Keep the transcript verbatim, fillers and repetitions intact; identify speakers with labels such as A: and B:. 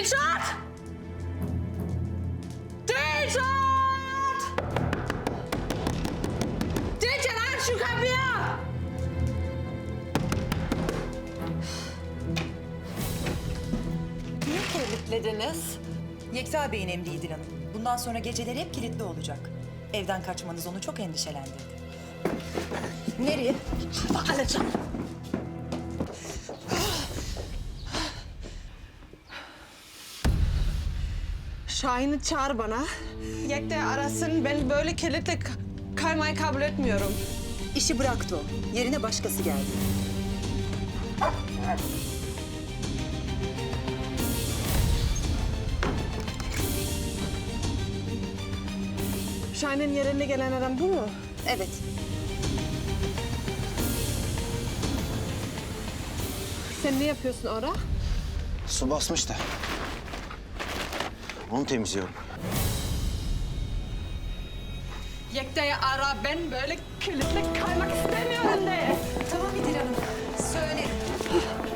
A: Dilşat! Dilşat! Dilşat aç şu kapıyı!
B: Niye kilitlediniz?
C: Yekta Bey'in emri İdil Hanım. Bundan sonra geceleri hep kilitli olacak. Evden kaçmanız onu çok endişelendirdi.
B: Nereye?
A: Bak alacağım. Şahin'i çağır bana. Yekta arasın. Ben böyle kilitle kaymayı kabul etmiyorum.
C: İşi bıraktı o. Yerine başkası geldi.
A: Şahin'in yerine gelen adam bu mu?
C: Evet.
A: Sen ne yapıyorsun orada?
D: Su basmış da. Onu temizliyorum.
A: Yekta'yı ara. Ben böyle kilitle kaymak istemiyorum de.
C: Tamam İdil Hanım. Söylerim.